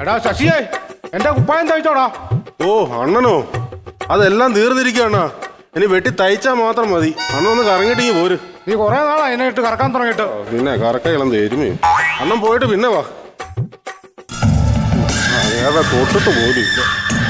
എടാ ശശിയേ, എന്റെ കുപ്പായം തയ്ച്ചോടാ. ഓ അണ്ണനോ, അതെല്ലാം തീർന്നിരിക്കുകയാണ്. ഇനി വെട്ടി തയ്ച്ചാൽ മാത്രം മതി. അണ്ണൊന്ന് കറങ്ങിട്ടിങ്ങി പോര്. നീ കുറെ നാളാ അതിനെ ഇട്ട് കറക്കാൻ തുടങ്ങിയിട്ട്. പിന്നെ കറക്കയിളം തരുമേ. അണ്ണൻ പോയിട്ട് പിന്നെ വാ. ഏതാ തൊട്ടിട്ട് പോലും ഇല്ല.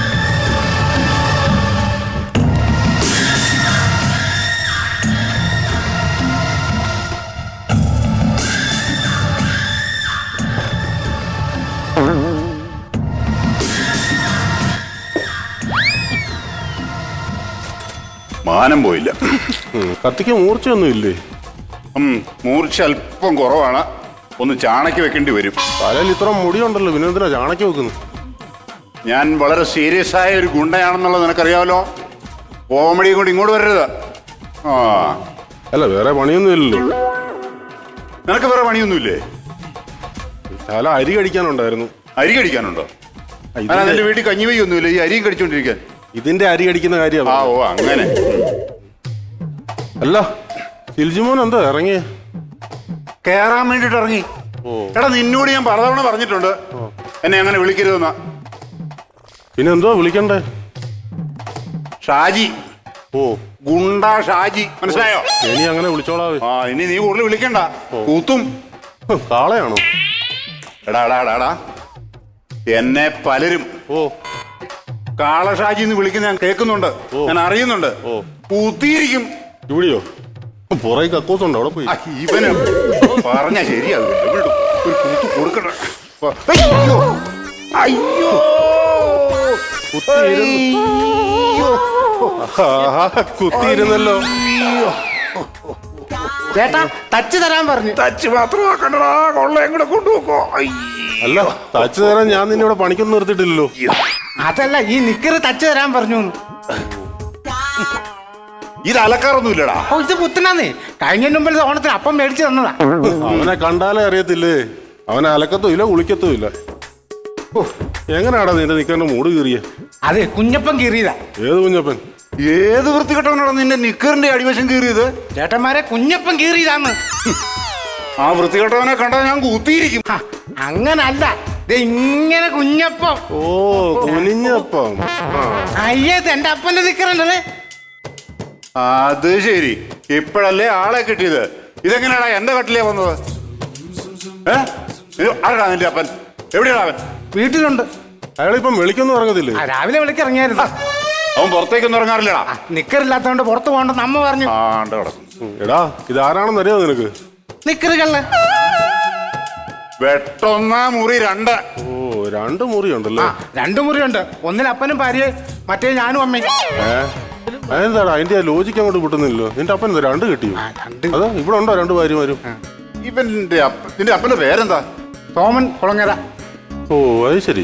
മാനം പോയില്ല. കത്തിക്ക് മൂർച്ചയൊന്നും ഇല്ലേ? മൂർച്ച അല്പം കുറവാണ്. ഒന്ന് ചാണക്കി വെക്കേണ്ടി വരും. തലയിൽ ഇത്ര മുടിയുണ്ടല്ലോ, പിന്നെ എന്തിനാ ചാണക്കി വെക്കുന്നു? ഞാൻ വളരെ സീരിയസ് ആയ ഒരു ഗുണ്ടയാണെന്നുള്ളത് നിനക്കറിയാമല്ലോ. കോമഡിയും കൊണ്ട് ഇങ്ങോട്ട് വരരുത്. ആ അല്ല, വേറെ പണിയൊന്നും ഇല്ലല്ലോ. നിനക്ക് വേറെ പണിയൊന്നുമില്ലേ? തല അരി കടിക്കാനുണ്ടായിരുന്നു. അരി കടിക്കാനുണ്ടോ? എന്റെ വീട്ടിൽ കഞ്ഞിവയ്യൊന്നുമില്ല, ഈ അരിയും കടിച്ചോണ്ടിരിക്കാൻ. ഇതിന്റെ അരി കടിക്കുന്ന കാര്യമാണ്. ആ ഓ അങ്ങനെ. അല്ല, സിൽജിമോൻ എന്താ ഇറങ്ങിയേ? കേറാൻ വേണ്ടിട്ട് ഇറങ്ങി. എടാ, നിന്നോട് ഞാൻ പലതവണ പറഞ്ഞിട്ടുണ്ട് എന്നെ അങ്ങനെ വിളിക്കരുതെന്നാ. പിന്നെ എന്തോ വിളിക്കണ്ടേ? ഷാജി. ഓ, ഗുണ്ട ഷാജി, മനസ്സിലായോ? ഇനി അങ്ങനെ വിളിച്ചോളാവേ. ആ ഇനി നീ കൂടുതൽ വിളിക്കണ്ട, കൂത്തും. കാളയാണോ? എടാ എടാ എടാ എടാ, എന്നെ പലരും കാളഷാജി എന്ന് വിളിക്കുന്ന ഞാൻ കേൾക്കുന്നുണ്ട്, ഞാൻ അറിയുന്നുണ്ട്. കൂത്തിയിരിക്കും. ഇവിടെയോ? പുറകെ കക്കൂസുണ്ടോ? അവിടെ പോയി. ഇവന് പറഞ്ഞ ശരിയാകും. ഒരു കൂത്ത് കൊടുക്കണ്ട. അയ്യോ, കുത്തിയിരുന്നല്ലോ. ചേട്ടാ, ടച്ച് തരാൻ പറഞ്ഞു. ടച്ച് മാത്രമാക്കണ്ടടാ, കൊള്ളയും കൂടെ കൊണ്ടുപോക്കോ. അല്ല, തച്ച് തരാൻ ഞാൻ നിന്നെ ഇവിടെ പണിക്കൊന്നും നിർത്തിയിട്ടില്ലല്ലോ. അതല്ല, ഈ നിക്കറ് തച്ച് തരാൻ പറഞ്ഞു. ഇത് അലക്കാറൊന്നുമില്ലടാ. ഓ, ഇത് പുത്തനാന്നേ. കഴിഞ്ഞ മുമ്പിൽ ഓണത്തിന് അപ്പം മേടിച്ചു തന്നതാ. അവനെ കണ്ടാലേ അറിയത്തില്ലേ, അവനെ അലക്കത്തും ഇല്ല കുളിക്കത്തും ഇല്ല. എങ്ങനെയാടാ നിന്റെ നിക്കറിന്റെ മൂട് കീറിയ? അതെ, കുഞ്ഞപ്പൻ കീറിയതാ. ഏത് കുഞ്ഞപ്പൻ? ഏത് വൃത്തികെട്ടവനാണ് നിന്റെ നിക്കറിന്റെ അടിവശം കീറിയത്? ചേട്ടന്മാരെ, കുഞ്ഞപ്പൻ കീറിയതാന്ന്. ആ വൃത്തികെട്ടവനെ കണ്ടാൽ ഞാൻ കൂത്തിയിരിക്കും. അങ്ങനല്ല, ഇങ്ങനെ കുഞ്ഞപ്പം. ഓ, കുനിഞ്ഞപ്പം. അയ്യത് എന്റെ അപ്പന്റെ നിക്കറല്ലേ. അത് ശരി, ഇപ്പോഴല്ലേ ആളെ കിട്ടിയത്. ഇതെങ്ങനെയാടാ എന്റെ കട്ടിലേ വന്നത്? ആരാടാ നിന്റെ അപ്പൻ? എവിടെയാണ് അവൻ? വീട്ടിലുണ്ട്. അയാളിപ്പം വിളിക്കൊന്നും ഇറങ്ങത്തില്ലേ? രാവിലെ വിളിക്കിറങ്ങിയായിരുന്നു. അവൻ പുറത്തേക്കൊന്നും ഇറങ്ങാറില്ലടാ. നിക്കറില്ലാത്തോണ്ട് പുറത്ത് പോകണ്ടെന്ന് അമ്മ പറഞ്ഞു. എടാ, ഇതാരാണെന്ന് അറിയാമോ നിനക്ക്? നിക്കറുകള് വെട്ടൊന്ന മുറി 2. ഓ, 2 മുറിയുണ്ടല്ലോ. 2 മുറിയുണ്ട്. ഒന്നിൽ അപ്പനും ഭാര്യയും, മറ്റേ ഞാനും അമ്മയും. അതെന്താടാ അതിന്റെ ലോജിക്ക് അങ്ങോട്ട് കിട്ടുന്നില്ലല്ലോ. നിന്റെ അപ്പൻ 2 കിട്ടിയോ? അതാ ഇവിടെ ഉണ്ടോ 2 ഭാര്യമാരും? നിന്റെ അപ്പന്റെ പേരെന്താ? സോമൻ കുളങ്ങര. ഓ, അത് ശരി.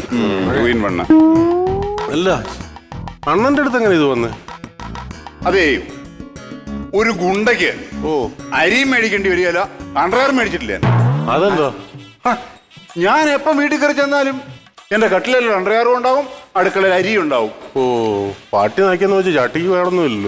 അല്ല, അണ്ണന്റെ അടുത്ത് എങ്ങനെ ഇത് വന്നേ? അതേ, ഒരു ഗുണ്ടയ്ക്ക് അരിയും മേടിക്കേണ്ടി വരികയല്ല, അണ്ടർവെയർ മേടിച്ചിട്ടില്ല. അതെന്താ? ഞാൻ എപ്പം വീട്ടിൽ കയറി ചെന്നാലും എന്റെ കട്ടിലിൽ അണ്ടർവെയറും ഉണ്ടാവും, അടുക്കളയിൽ അരിയും ഉണ്ടാവും. ഓ, പാട്ടി നാക്കിയെന്ന് വെച്ച് ചട്ടിക്ക് വേണമെന്നില്ലല്ലോ.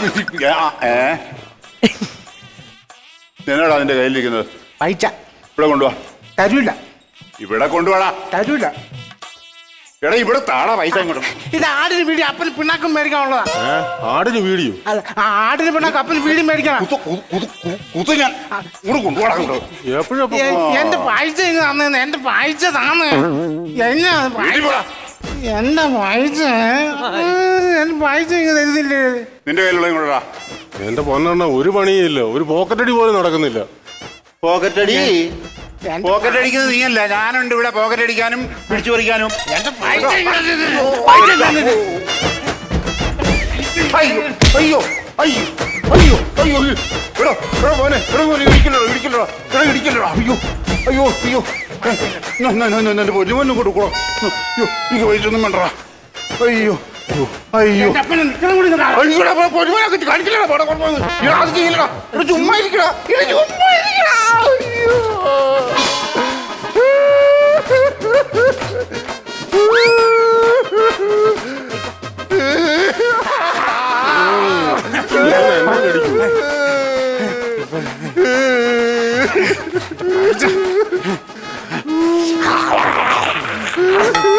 എന്നാടാ അതിന്റെ കയ്യിലിരിക്കുന്നത്? പൈച്ച. ഇവിടെ കൊണ്ടുപോവാ. തരൂല. ഇവിടെ കൊണ്ടുപോടാ. തരൂല. എടാ, ഇവിടെ താടാ പൈസ ഇങ്ങോട്ട്. ഇത് ആടിന് വീടി അപ്പന് പിണ്ണാക്കും മേടിക്കാനുള്ളതാ. ആടിന് വീഡിയോ? ആടിന് പിണ്ണാക്കും അപ്പന് വീടി മേടിക്കണം. ഞാൻ ഇങ്ങോട്ട് കൊണ്ടുപോടാ. എന്റെ പൈസ തന്നെ, എന്റെ പൈസ താന്ന്. എന്റെ പൈസ, എന്റെ പൈസ തരുന്നില്ലേ? നിന്റെ കയ്യിലുള്ള ഇങ്ങോട്ടാ. എന്റെ പൊന്നെണ്ണ, ഒരു പണിയില്ല, ഒരു പോക്കറ്റടി പോലും നടക്കുന്നില്ല. പോക്കറ്റടി? പോക്കറ്റ് അടിക്കുന്നത് നീയല്ല, ഞാനുണ്ട് ഇവിടെ പോക്കറ്റ് അടിക്കാനും പിടിച്ചു പറിക്കാനും. എന്റെ പൈസ അയ്യോ അയ്യോ അയ്യോ അയ്യോ അയ്യോ, ഇവിടെ പോനെ, ഇടിക്കല്ലോ ഇടിക്കല്ലോ, ഇവിടെ ഇടിക്കല്ലോ. അയ്യോ അയ്യോ അയ്യോ, എന്റെ പൊന്നുമൊന്നും കൊടുക്കണോ? അയ്യോ, എനിക്ക് പൈസ ഒന്നും വേണ്ടടാ. അയ്യോ അയ്യോ, പൊന്നുമൊക്കെ കാണിക്കില്ലടാ, അത് ചെയ്യില്ലടാ. ഇവിടെ ചുമ്മാ ഇരിക്കടാ, ചുമ്മാ ഇരിക്കടാ. അയ്യോ,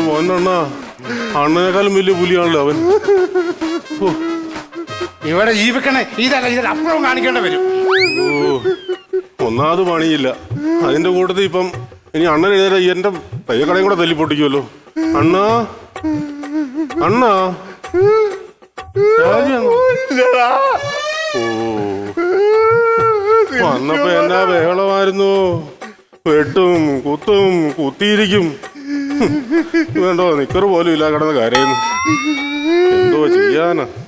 മോനണ്ണാ അണ്ണനേക്കാളും വലിയ പുലിയാണല്ലോ അവൻ. ഓ, ഇവിടെ ജീവിക്കണേ ഇതല്ല അപ്പുറം കാണിക്കേണ്ട വരും. ഓ, ഒന്നാമത് പണിയില്ല, അതിന്റെ കൂട്ടത്തിൽ ഇപ്പം ഇനി അണ്ണൻ എഴുതാ എന്റെ പയ്യക്കടയും കൂടെ തല്ലി പൊട്ടിക്കുമല്ലോ. അണ്ണാ അണ്ണാ രാജിയാണോ? ഓ, വന്നപ്പോ എന്നാ ബഹളമായിരുന്നു. വെട്ടും കുത്തും കുത്തിയിരിക്കും. വേണ്ടോ നിക്കറ് പോലും ഇല്ല കിടന്ന് കരയുന്നു. എന്തോ ചെയ്യാനാ.